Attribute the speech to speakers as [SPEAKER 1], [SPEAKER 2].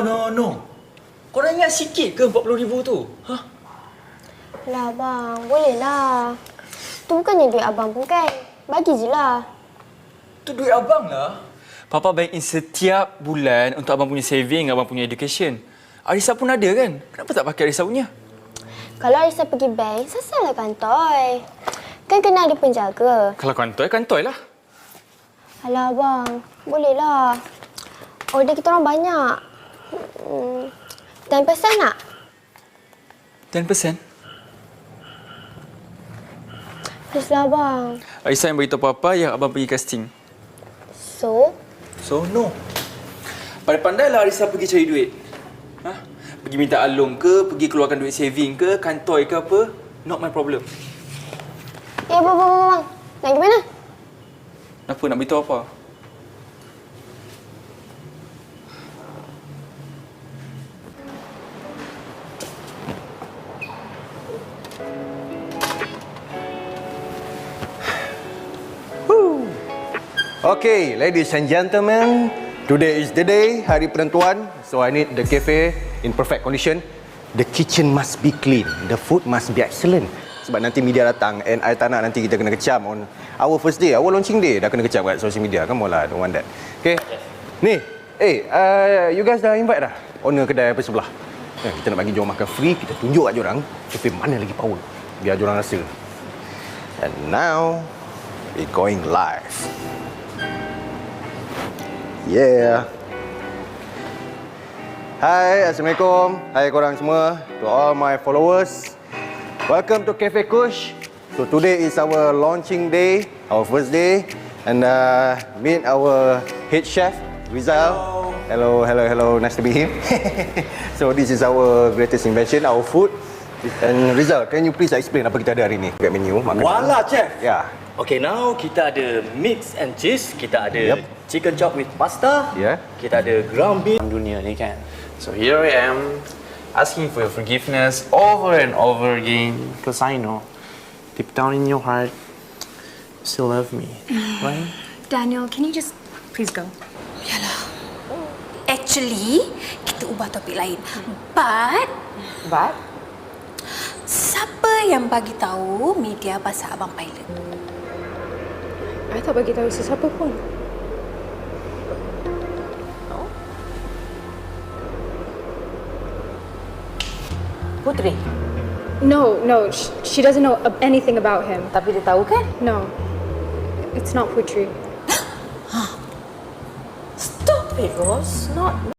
[SPEAKER 1] no. Korang ingat sikit ke 40,000 tu? Ha?
[SPEAKER 2] Lah abang, boleh lah. Tu bukannya duit abang pun kan? Bagi je lah.
[SPEAKER 1] Tu duit abang lah. Papa bank in setiap bulan untuk abang punya saving, abang punya education. Arissa pun ada kan? Kenapa tak pakai Arissa punya?
[SPEAKER 2] Kalau Arissa pergi bank, sasalah kantoi. Kan kena ada penjaga.
[SPEAKER 1] Kalau kantoi lah.
[SPEAKER 2] Alah abang, boleh lah. Order kita orang banyak. 10% nak?
[SPEAKER 1] 10%?
[SPEAKER 2] Please lah abang.
[SPEAKER 1] Arissa yang beritahu Papa yang abang pergi casting.
[SPEAKER 2] So,
[SPEAKER 1] No. Pandai-pandailah Arissa pergi cari duit. Ha? Pergi minta along ke, pergi keluarkan duit saving ke, kantoi ke apa, not my problem.
[SPEAKER 2] abang. Nak pergi mana?
[SPEAKER 1] Kenapa nak beritahu apa?
[SPEAKER 3] Okay, ladies and gentlemen, today is the day, hari penentuan. So I need the cafe in perfect condition. The kitchen must be clean. The food must be excellent. Sebab nanti media datang and I tak nak nanti kita kena kecam on our first day, our launching day. Dah kena kecam kat social media. Come on lah, don't want that. Okay. Ni, you guys dah invite dah owner kedai apa sebelah. Kita nak bagi diorang makan free, kita tunjuk kat diorang cafe mana lagi power. Biar diorang rasa. And now, we're going live. Yeah. Hai, Assalamualaikum. Hai korang semua. To all my followers. Welcome to Cafe Kush. So today is our launching day, our first day. And meet our head chef, Rizal. Hello. Nice to meet him. So this is our greatest invention, our food. And Rizal, can you please explain apa kita ada hari ni? Kat menu makanan.
[SPEAKER 4] Wala, chef.
[SPEAKER 3] Yeah.
[SPEAKER 4] Okay, now kita ada mix and cheese, kita ada chicken chop with pasta, kita ada ground beef.
[SPEAKER 5] Dunia ni kan. So here I am asking for your forgiveness over and over again because I know deep down in your heart you still love me, right?
[SPEAKER 6] Daniel, can you just please go?
[SPEAKER 7] Yalah. Actually, kita ubah topik lain. But? Siapa yang bagi tahu media pasal abang pilot?
[SPEAKER 6] I tak bagi tahu sesiapa pun.
[SPEAKER 7] Putri.
[SPEAKER 6] No. She doesn't know anything about him.
[SPEAKER 7] Tapi dia tahu kan?
[SPEAKER 6] No. It's not Putri.
[SPEAKER 7] Stop it, Rose. Not